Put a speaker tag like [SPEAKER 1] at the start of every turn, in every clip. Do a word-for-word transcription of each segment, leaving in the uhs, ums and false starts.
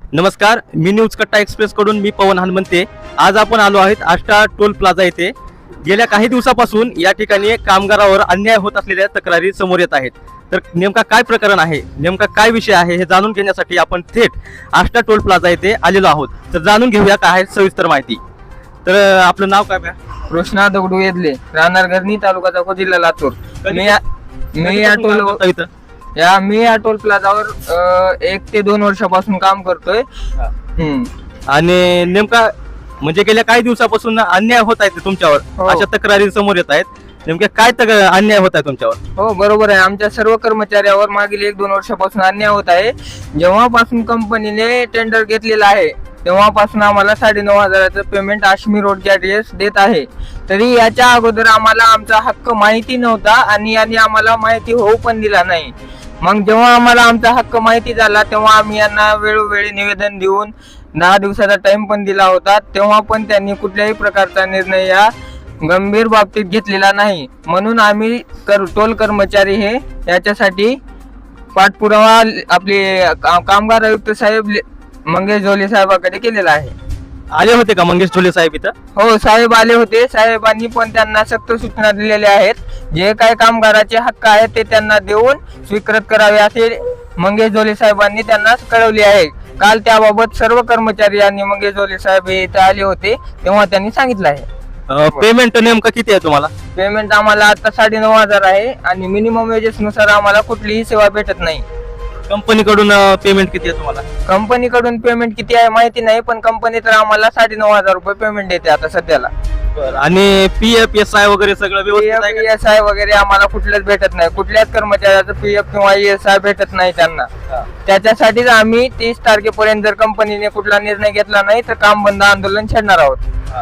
[SPEAKER 1] नमस्कार, मी न्यूज कट्टा एक्सप्रेस कडून मी पवन हनुमंते. आज आपण आलो आहेत आष्टा टोल प्लाझा येथे. गेल्या काही दिवसापासून या ठिकाणी कामगारावर अन्याय होत असलेल्या तक्रारी समोर येत आहेत. तर नेमका काय प्रकरण आहे, नेमका काय विषय आहे हे जाणून घेण्यासाठी आपण थेट आष्टा टोल प्लाझा येथे आलेलो आहोत. तर जाणून घेऊया काय आहे सविस्तर माहिती. तर आपलं नाव काय बा?
[SPEAKER 2] कृष्णा दगडू येदले, राहणार घरणी, तालुका चाकूर, जिल्हा लातूर. मी या- मी या टोल
[SPEAKER 1] इथं
[SPEAKER 2] या मी या टोल प्लाझावर अ, एक ते दोन वर्षापासून काम करतोय. हम्म.
[SPEAKER 1] आणि नेमका म्हणजे गेल्या काही दिवसापासून अन्याय होत आहे तुमच्यावर,
[SPEAKER 2] हो.
[SPEAKER 1] अशा तक्रारी समोर येत आहेत. नेमक्या काय तक- अन्याय होत आहे तुमच्यावर?
[SPEAKER 2] हो, बरोबर आहे. आमच्या सर्व कर्मचाऱ्यावर मागील एक दोन वर्षापासून अन्याय होत आहे. जेव्हापासून कंपनीने टेंडर घेतलेलं आहे तेव्हापासून आम्हाला साडेनऊ हजाराचं पेमेंट आश्मी रोडच्या ऍड्रेस देत आहे. तरी याच्या अगोदर आम्हाला आमचा हक्क माहिती नव्हता आणि यांनी आम्हाला माहिती होऊ पण दिला नाही. मग जेव्हा आम्हाला आमचा हक्क माहिती झाला तेव्हा आम्ही यांना वेळोवेळी निवेदन देऊन दहा दिवसाचा टाइम पण दिला होता. तेव्हा पण त्यांनी कुठल्याही प्रकारचा निर्णय या गंभीर बाबतीत घेतलेला नाही. म्हणून आम्ही कर टोल कर्मचारी हे याच्यासाठी पाठपुरावा आपले का- कामगार आयुक्त साहेब ले- मंगेश झोले साहेबांकडे केलेला आहे.
[SPEAKER 1] आले होते का मंगेश झोले साहेब इथं?
[SPEAKER 2] हो, साहेब आले होते. साहेबांनी पण त्यांना सक्त सूचना दिलेल्या आहेत. जे काही कामगाराचे हक्क आहेत ते त्यांना देऊन स्वीकृत करावे असे मंगेश झोले साहेबांनी त्यांना कळवले आहे. काल त्याबाबत सर्व कर्मचारी आणि मंगेश झोले साहेब हे इथे आले होते तेव्हा त्यांनी सांगितलं आहे.
[SPEAKER 1] पेमेंट नेमकं किती आहे तुम्हाला?
[SPEAKER 2] पेमेंट आम्हाला आता साडेनऊ हजार आहे आणि मिनिमम वेजेस नुसार आम्हाला कुठलीही सेवा भेटत नाही.
[SPEAKER 1] कंपनीकडून पेमेंट किती आहे तुम्हाला?
[SPEAKER 2] कंपनीकडून पेमेंट किती आहे माहिती नाही, पण कंपनी तर आम्हाला साडेनऊ हजार रुपये पेमेंट देते आता सध्याला.
[SPEAKER 1] आणि पी एफ एस आय वगैरे सगळं व्यवस्थित आहे का?
[SPEAKER 2] एस आय वगैरे आम्हाला कुठलंच भेटत नाही. कुठल्याच कर्मचाऱ्याचं पी एफ किंवा ई एस आय भेटत नाही त्यांना. त्याच्यासाठीच आम्ही तीस तारखेपर्यंत जर कंपनीने कुठला निर्णय घेतला नाही तर काम बंद आंदोलन छेडणार आहोत.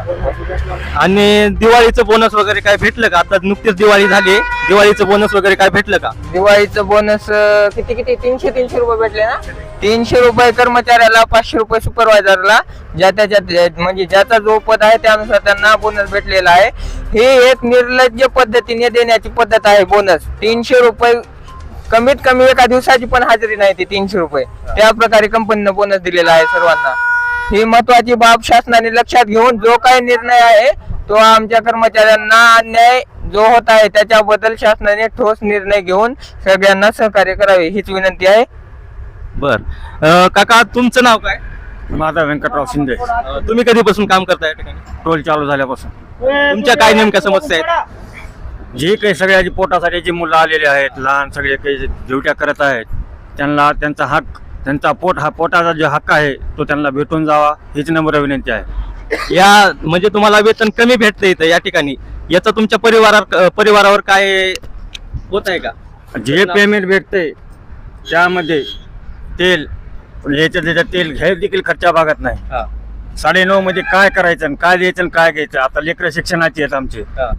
[SPEAKER 1] आणि दिवाळीचं बोनस वगैरे काय भेटलं का? आता नुकतीच दिवाळी झाली, दिवाळीचं बोनस वगैरे काय भेटलं का?
[SPEAKER 2] दिवाळीचं बोनस किती किती तीनशे तीनशे रुपये भेटले ना. तीनशे रुपये कर्मचाऱ्याला, पाचशे रुपये सुपरवायझरला, ज्या त्याच्यात म्हणजे ज्याचा जो पद आहे त्यानुसार त्यांना बोनस भेटलेला आहे. ही एक निर्लज्ज पद्धतीने देण्याची पद्धत आहे. बोनस तीनशे रुपये, कमीत कमी एका दिवसाची पण हजेरी नाही ती तीनशे रुपये. त्या प्रकारे कंपनीनं बोनस दिलेला आहे सर्वांना. ही महत्वाची बाब शासनाने लक्षात घेऊन जो काही निर्णय आहे तो आमच्या कर्मचाऱ्यांना अन्याय जो होत आहे त्याच्याबद्दल शासनाने ठोस निर्णय घेऊन सगळ्यांना सहकार्य करावे हीच विनंती आहे.
[SPEAKER 1] बर काका, तुमचं नाव काय?
[SPEAKER 3] माझा व्यंकटराव शिंदे.
[SPEAKER 1] अं, तुम्ही कधीपासून काम करताय या ठिकाणी?
[SPEAKER 3] टोल चालू झाल्यापासून
[SPEAKER 1] तुमच्या काय नेमक्या समस्या आहेत?
[SPEAKER 3] जे काही सगळ्याची पोटासाठी जी मुलं आलेली आहेत, लहान सगळे काही ड्युट्या करत आहेत, त्यांना त्यांचा हक, त्यांचा पोट हा पोटाचा जो हक्क आहे तो त्यांना भेटून जावा हीच नम्र विनंती आहे.
[SPEAKER 1] या म्हणजे तुम्हाला वेतन कमी भेटतं इथं या ठिकाणी, याचा तुमच्या परिवारावर परिवारावर काय होत आहे का?
[SPEAKER 3] जे पेमेंट भेटते त्यामध्ये तेल, याच्या त्याच्यात तेल घ्यायला देखील खर्चा भागत नाही.
[SPEAKER 1] हा,
[SPEAKER 3] साडेनऊ मध्ये काय करायचं आणि काय द्यायचं आणि काय घ्यायचं. आता लेकरं शिक्षणाची आहेत आमचे.
[SPEAKER 1] हा.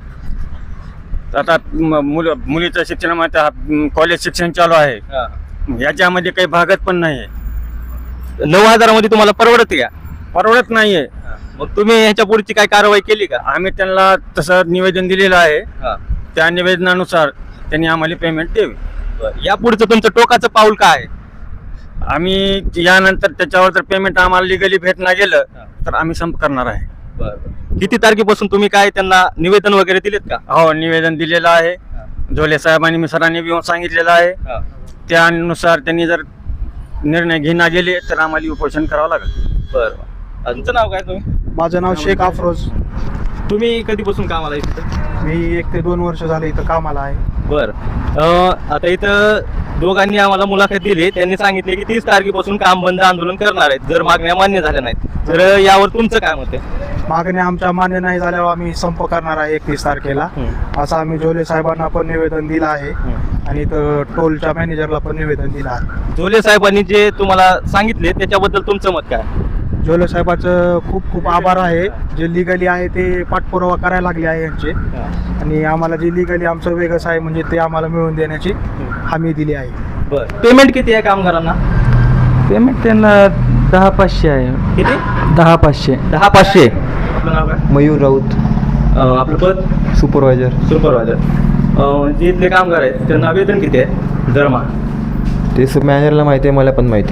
[SPEAKER 3] आता म- मुलं मुलीचं शिक्षणामध्ये कॉलेज शिक्षण चालू आहे,
[SPEAKER 1] हा.
[SPEAKER 3] याच्यामध्ये काही भागत पण नाही.
[SPEAKER 1] नऊ हजारामध्ये तुम्हाला परवडत का?
[SPEAKER 3] परवडत नाहीये.
[SPEAKER 1] मग तुम्ही ह्याच्या पुढची काय कारवाई केली का?
[SPEAKER 3] आम्ही त्यांना तसं निवेदन दिलेलं आहे.
[SPEAKER 1] हा.
[SPEAKER 3] त्या निवेदनानुसार त्यांनी आम्हाला पेमेंट द्यावी.
[SPEAKER 1] बरं. या पुढचं तुमचं टोकाचं पाऊल काय आहे?
[SPEAKER 3] आम्ही यानंतर त्याच्यावर जर पेमेंट आम्हाला लिगली भेटणार गेलं तर आम्ही संप करणार आहे.
[SPEAKER 1] किती तारखेपासून तुम्ही काय त्यांना निवेदन वगैरे दिलेत का?
[SPEAKER 3] हो, निवेदन दिलेलं आहे. झोले साहेबांनी मी सरांनी येऊन सांगितलेलं आहे. त्यानुसार त्यांनी जर निर्णय घेणार गेले तर आम्हाला उपोषण करावं लागेल.
[SPEAKER 1] बरं. तुमचं नाव काय? तुम्ही
[SPEAKER 4] माझं नाव शेख अफरोज.
[SPEAKER 1] तुम्ही कधीपासून कामाला आहे तिथं?
[SPEAKER 4] मी एक ते दोन वर्ष झाले इथं कामाला आहे.
[SPEAKER 1] बर. आता इथं दोघांनी आम्हाला मुलाखत दिली. त्यांनी सांगितले की तीस तारखेपासून काम बंद आंदोलन करणार आहेत जर मागण्या मान्य झाल्या नाहीत. तर यावर तुमचं काय मत आहे?
[SPEAKER 4] मागण्या आमच्या मान्य नाही झाल्यावर आम्ही संप करणार आहे एकतीस तारखेला. असं आम्ही झोले साहेबांना पण निवेदन दिलं आहे आणि इथं टोलच्या मॅनेजरला पण निवेदन दिलं आहे.
[SPEAKER 1] झोले साहेबांनी जे तुम्हाला सांगितले त्याच्याबद्दल तुमचं मत काय?
[SPEAKER 4] झोले साहेबाचं खूप खूप आभार आहे. जे लिगली आहे ते पाठपुरावा करायला लागले आहे यांचे आणि आम्हाला जे लिगली आमचं वेगळंच आहे म्हणजे ते आम्हाला मिळवून देण्याची हमी दिली आहे.
[SPEAKER 1] बरं. पेमेंट किती आहे कामगारांना?
[SPEAKER 5] पेमेंट त्यांना दहा पाचशे आहे.
[SPEAKER 1] किती?
[SPEAKER 5] दहा पाचशे.
[SPEAKER 1] दहा पाचशे. आपलं नाव काय?
[SPEAKER 5] मयूर राऊत,
[SPEAKER 1] अं, आपलं पद?
[SPEAKER 5] सुपरवायझर.
[SPEAKER 1] सुपरवायझर. जे इथले कामगार आहेत त्यांना वेतन किती आहे दरमहा?
[SPEAKER 5] ते मॅनेजरला माहिती आहे, मला पण माहिती नाही.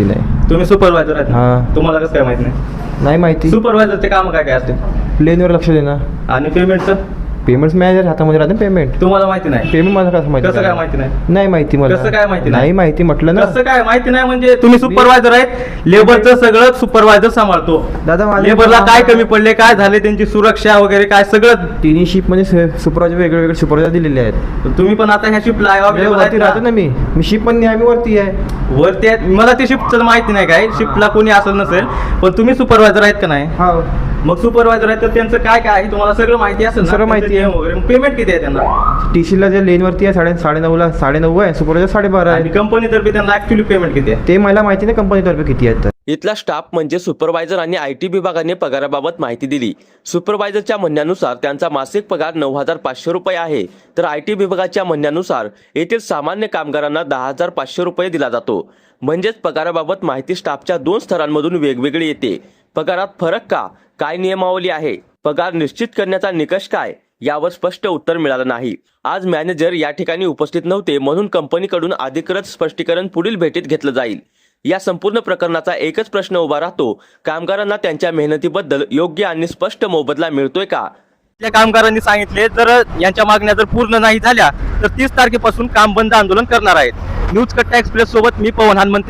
[SPEAKER 1] तुम्ही सुपरवायझर आहेत ना?
[SPEAKER 6] हा.
[SPEAKER 1] तुम्हाला कसं काय माहित नाही?
[SPEAKER 6] नाही माहिती
[SPEAKER 1] सुपरवायझरचे काम काय काय असते
[SPEAKER 6] प्लेनवर लक्ष देणं
[SPEAKER 1] आणि पेमेंटचं
[SPEAKER 6] पेमेंट मॅनेजर हातामध्ये राहते पेमेंट
[SPEAKER 1] तुम्हाला माहिती नाही?
[SPEAKER 6] पेमेंट मला कसं माहिती
[SPEAKER 1] कसं काय माहिती नाही?
[SPEAKER 6] नाही माहिती मला
[SPEAKER 1] कसं काय माहिती नाही?
[SPEAKER 6] नाही माहिती म्हटलं ना
[SPEAKER 1] कसं काय माहिती नाही म्हणजे तुम्ही सुपरवायझर आहेत, लेबरचं सगळं सुपरवायझर सांभाळतो.
[SPEAKER 6] दादा माझं-
[SPEAKER 1] लेबरला काय कमी पडले, काय झाले, त्यांची सुरक्षा वगैरे काय सगळं
[SPEAKER 6] तिन्ही शिप मध्ये सुपरवायझर वेगळे वेगळे सुपरवायझर दिलेले आहेत
[SPEAKER 1] तुम्ही पण आता ह्या शिफ्टला
[SPEAKER 6] वरती राहतो ना मी मी शिप पण नेहमी वरती आहे
[SPEAKER 1] वरती आहेत. मला ते शिफ्टचं माहिती नाही काय, शिफ्टला कोणी असेल नसेल, पण तुम्ही सुपरवायझर आहेत का नाही?
[SPEAKER 6] हा
[SPEAKER 1] मग सुपरवायझर आहेत तर त्यांचं काय काय आहे तुम्हाला सगळं माहिती असेल ना?
[SPEAKER 6] सगळं माहिती आहे.
[SPEAKER 1] त्यांचे नियम वगैरे. पेमेंट किती आहे त्यांना?
[SPEAKER 6] टी सी ला जे लेन वरती आहे साडे साडे नऊला साडे नऊ आहे सुपरवायझर साडेबारा
[SPEAKER 1] आणि
[SPEAKER 6] आहे
[SPEAKER 1] कंपनीतर्फे त्यांना ऍक्च्युअली पेमेंट किती आहे?
[SPEAKER 6] ते मला माहिती नाही कंपनीतर्फे किती आहेत तर
[SPEAKER 7] इथला स्टाफ म्हणजे सुपरवायझर आणि आय टी विभागाने पगाराबाबत माहिती दिली. सुपरवायझरच्या म्हणण्यानुसार त्यांचा मासिक पगार नऊ हजार पाचशे रुपये आहे, तर आय टी विभागाच्या म्हणण्यानुसार येथील सामान्य कामगारांना दहा हजार पाचशे रुपये दिला जातो. म्हणजेच पगाराबाबत माहिती स्टाफच्या दोन स्तरांमधून वेगवेगळी येते. पगारात फरक का? काय नियमावली आहे? पगार निश्चित करण्याचा निकष काय? यावर स्पष्ट उत्तर मिळालं नाही. आज मॅनेजर या ठिकाणी उपस्थित नव्हते, म्हणून कंपनीकडून अधिकृत स्पष्टीकरण पुढील भेटीत घेतलं जाईल. या संपूर्ण प्रकरणाचा एकच प्रश्न उभा राहतो, कामगारांना त्यांच्या मेहनतीबद्दल योग्य आणि स्पष्ट मोबदला मिळतोय का?
[SPEAKER 1] आपल्या कामगारांनी सांगितले जर यांच्या मागण्या जर पूर्ण नाही झाल्या तर तीस तारखेपासून काम बंद आंदोलन करणार आहेत. न्यूज कट्टा एक्सप्रेस सोबत मी पवन हनुमंते.